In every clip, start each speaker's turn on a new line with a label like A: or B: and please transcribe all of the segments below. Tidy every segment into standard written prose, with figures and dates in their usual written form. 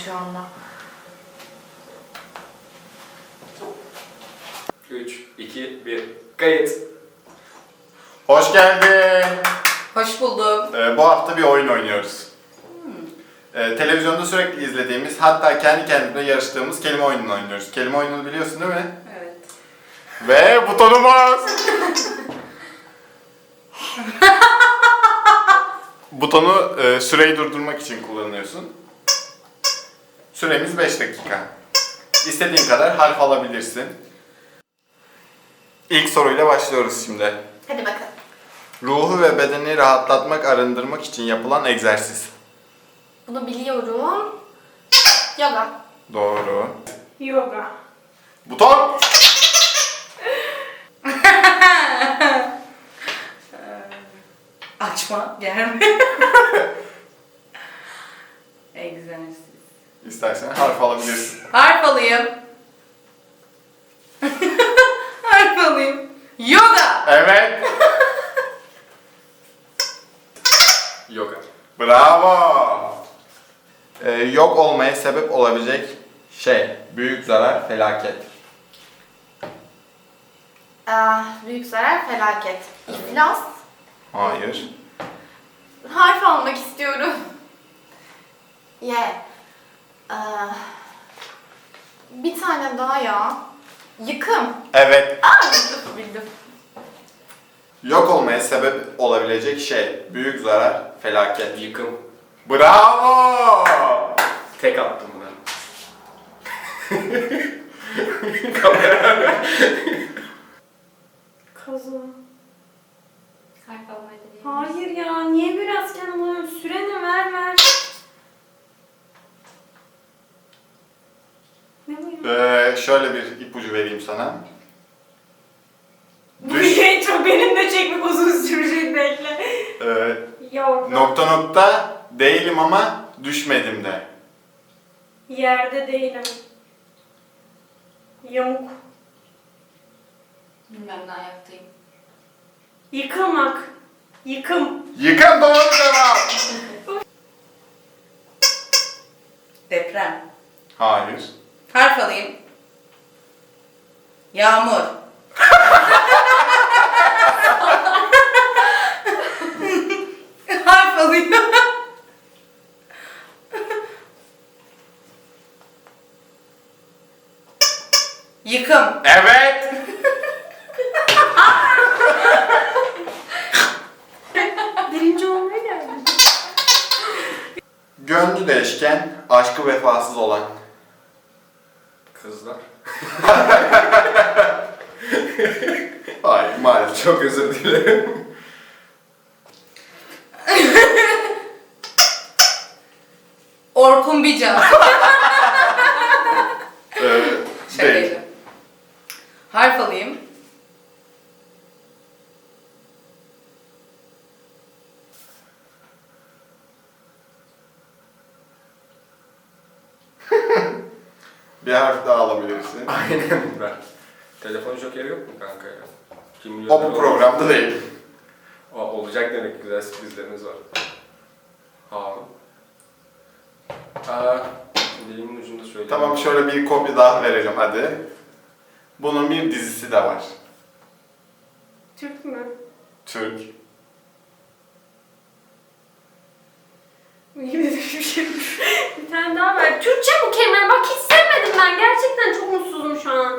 A: şu anda.
B: 3, 2, 1, kayıt.
C: Hoş geldin.
A: Hoş buldum.
C: Bu hafta bir oyun oynuyoruz. Televizyonda sürekli izlediğimiz, hatta kendi kendine yarıştığımız kelime oyununu oynuyoruz. Kelime oyununu biliyorsun değil mi?
A: Evet.
C: Ve butonumuz! Butonu süreyi durdurmak için kullanıyorsun. Süremiz 5 dakika. İstediğin kadar harf alabilirsin. İlk soruyla başlıyoruz şimdi.
A: Hadi bakalım.
C: Ruhu ve bedeni rahatlatmak, arındırmak için yapılan egzersiz.
A: Bunu biliyorum. Yoga.
C: Doğru.
D: Yoga.
C: Buton!
A: Açma, germe. Egzersiz.
C: İstersen harf alabilirsin.
A: Harf alayım. Harf alayım. Yoga.
C: Evet.
B: Yoga.
C: Bravo. Yok olmaya sebep olabilecek şey. Büyük zarar, felaket.
A: Büyük zarar, felaket. İflas.
C: Hayır.
A: Harf almak istiyorum. Ye. Bir tane daha ya. Yıkım.
C: Evet.
A: Bildim.
C: Yok olmaya sebep olabilecek şey. Büyük zarar, felaket.
B: Yıkım.
C: Bravo.
B: Tek attım buna. Kamera.
D: Kaza.
A: Harf almayı deneyim.
D: Hayır ya, niye biraz kendime alıyorum? Süreni ver. Ne bu ya?
C: Şöyle bir ipucu vereyim sana.
D: Bu şey çok benim de çekmek uzun sürecek bekle. Yoga.
C: Nokta nokta değilim ama düşmedim de.
D: Yerde değilim. Yamuk.
A: Bilmem ne ayaktayım.
D: Yıkılmak. Yıkım.
C: Yıkan doğru cevap.
A: Deprem.
C: Hayır.
A: Harf alayım. Yağmur. Harf alayım. Yıkım.
C: Evet.
D: Birinci olmaya geldim.
C: Gönlü değişken, aşkı vefasız olan.
B: Kızlar.
C: Hayır maalesef.
B: Çok özür dilerim.
A: Orkun Bica.
C: Değil.
A: Şakaydı. Harf alayım.
C: Bir harf daha alabilirsin.
B: Aynen ben. Telefon jokeri yok mu kanka ya? Kim bilir
C: O
B: ne
C: bu
B: olur.
C: programda değil.
B: Olacak demek ki, güzel sürprizlerimiz var. Harun. Dilimin ucunda söyleyeyim.
C: Tamam şöyle bir kopya daha verelim hadi. Bunun bir dizisi de var.
D: Türk mü?
C: Türk.
D: Bir tane daha ver. Türkçe bu kelime. Bak hiç sevmedim ben. Gerçekten çok mutsuzum şu an.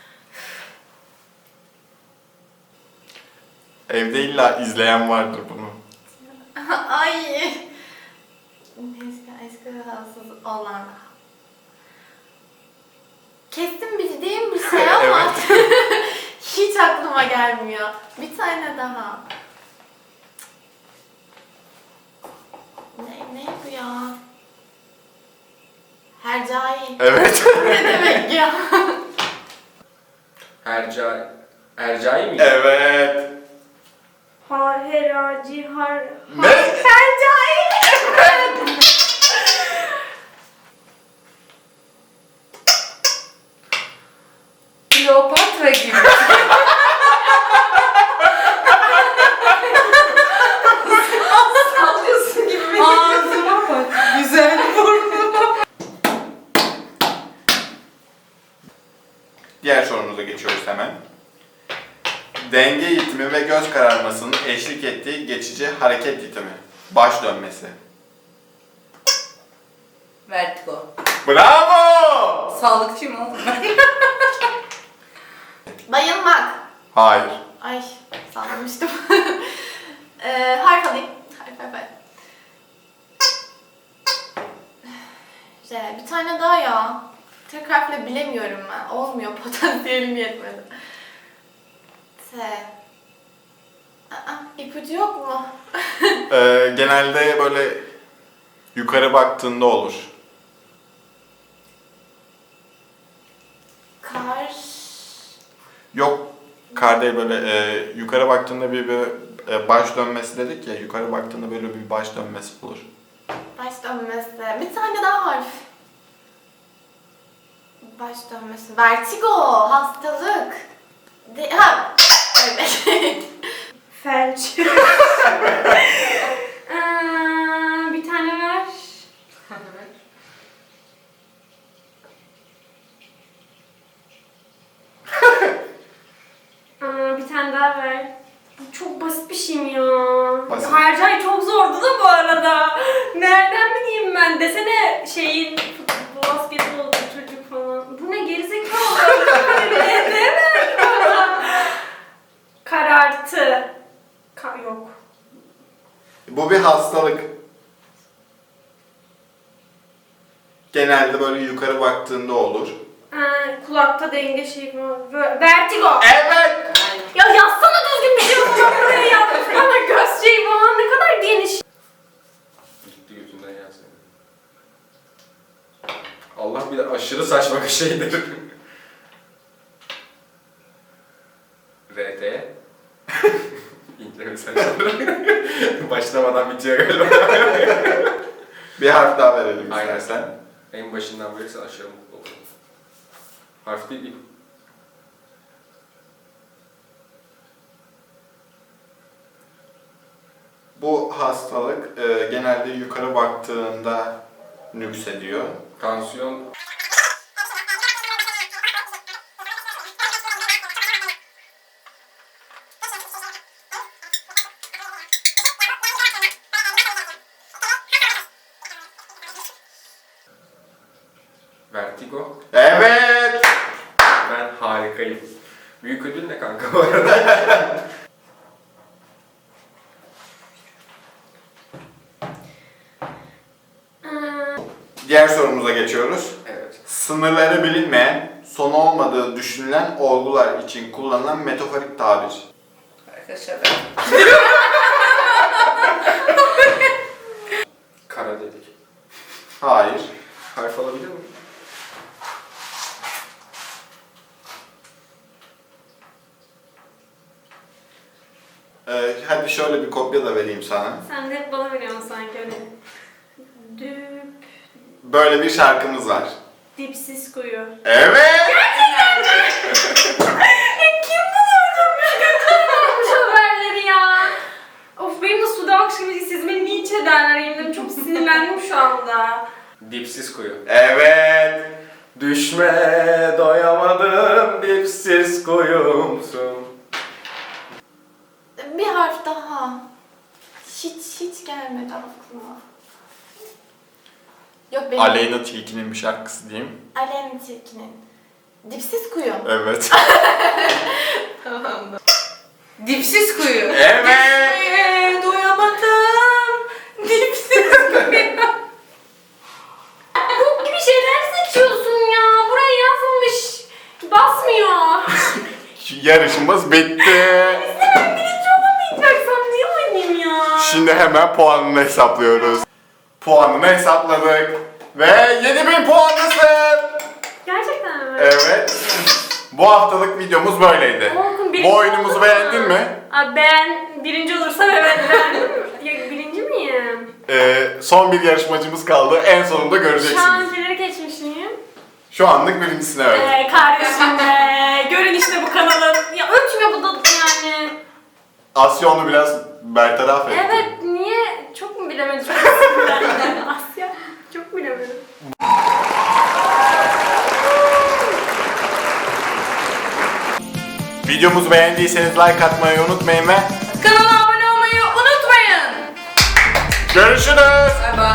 C: Evde illa izleyen vardır bunu.
A: Ay. Neyse, eski rahatsız olan. Kesin bildiğim bir şey ama hiç aklıma gelmiyor. Bir tane daha. Ne bu ya? Hercai.
C: Evet.
A: Ne demek ya?
B: Ercai miydi?
C: Evet.
D: Heraci,
C: Ne?
D: Hercai.
A: Kleopatra gibi. Sallıyorsun gibi. Ağzıma bak. Güzel burnu.
C: Diğer sorumuza geçiyoruz hemen. Denge yitimi ve göz kararmasının eşlik ettiği geçici hareket yitimi. Baş dönmesi.
E: Vertigo.
C: Bravo!
E: Sağlıkçıyım oğlum ben.
A: Bayılmak.
C: Hayır.
A: Ay sallamıştım. Harf alayım. Harf. Bir tane daha ya. Tek harfle bilemiyorum ben. Olmuyor, potansiyelim yetmedi. İpucu yok mu?
C: Genelde böyle yukarı baktığında olur.
A: Kar.
C: Yok, kar değil, böyle yukarı baktığında bir baş dönmesi dedik ya, yukarı baktığında böyle bir baş dönmesi olur.
A: Baş dönmesi. Bir tane daha harf. Baş dönmesi. Vertigo. Hastalık. Evet.
D: Felç. Bir tane ver. Bir tane daha ver. Bu çok basit bir şey mi ya?
C: Basit.
D: Hercai çok zordu da bu arada. Nereden bileyim ben? Desene şeyin basketbol çocuk falan. Bu ne gerizekalı? Ne demek bana? Karartı. Yok.
C: Bu bir hastalık. Genelde böyle yukarı baktığında olur.
D: Kulakta denge şey falan. Vertigo.
C: Evet!
D: Ya yazsana düzgün bir şey falan buraya yaz. Bana göz şeyi falan ne kadar geniş.
B: Gitti gözünden ya senin. Allah bir de aşırı saçma bir şeydir. RT. İnce mesajlar. Başlamadan bitiyor galiba.
C: Bir harf daha verelim
B: Aynen.
C: istersen.
B: En başından verirsen aşağı mutlu olurum. Harf değil.
C: Bu hastalık genelde yukarı baktığında nüksediyor.
B: Tansiyon. Vertigo.
C: Evet!
B: Ben harikayım. Büyük ödül ne kanka bu arada?
C: Diğer sorumuza geçiyoruz.
B: Evet.
C: Sınırları bilinmeyen, sonu olmadığı düşünülen olgular için kullanılan metaforik tabir.
E: Arkadaşlar ben.
B: Kara dedik.
C: Hayır.
B: Harf alabilir miyim?
C: Hadi şöyle bir kopya da vereyim sana.
D: Sen de hep bana veriyorsun sanki öyle. Düp.
C: Böyle bir şarkımız var.
D: Dipsiz kuyu.
C: Evet!
D: Kim bulurmuş haberleri ya? Of benim de suda akşam siz beni linç ederler yemin çok sinirlendim şu anda.
B: Dipsiz kuyu.
C: Evet!
B: Düşme doyamadım dipsiz kuyumsun.
A: Bir harf daha. Hiç gelmedi aklıma. Yok benim.
C: Aleyna Tilki'nin bir şarkısı diyeyim.
A: Aleyna Tilki'nin. Dipsiz kuyu.
C: Evet.
A: Tamamdır.
E: Dipsiz kuyu.
C: Evet!
A: Doyamadım. Dipsiz kuyu.
D: Bok gibi şeyler seçiyorsun ya. Buraya yazılmış. Basmıyor.
C: Yarışımız bitti.
D: Ben birinci olamayacaksam niye oynayayım ya?
C: Şimdi hemen puanını hesaplıyoruz. Puanını hesapladık. Ve 7000 puanlısın.
D: Gerçekten mi?
C: Evet. Bu haftalık videomuz böyleydi.
D: Orkun, birinci
C: Bu oyunumuzu
D: oldun mu?
C: beğendin mi?
D: Abi ben birinci olursam evet beğendim. Ya, birinci miyim?
C: Son bir yarışmacımız kaldı. En sonunda
D: Şu
C: göreceksiniz.
D: ankileri geçmiş miyim?
C: Şu anlık birincisine evet.
D: Kardeşim be. Görün işte bu kanalın. Ya ölçme bu da yani.
C: Asya onu biraz bertaraf etti.
D: Evet niye? Çok mu bilemedim? Çok sinirlendim. Asya çok bilemedim.
C: Videomuzu beğendiyseniz like atmayı unutmayın ve
E: Kanala abone olmayı unutmayın.
C: görüşürüz.
E: Bye bye.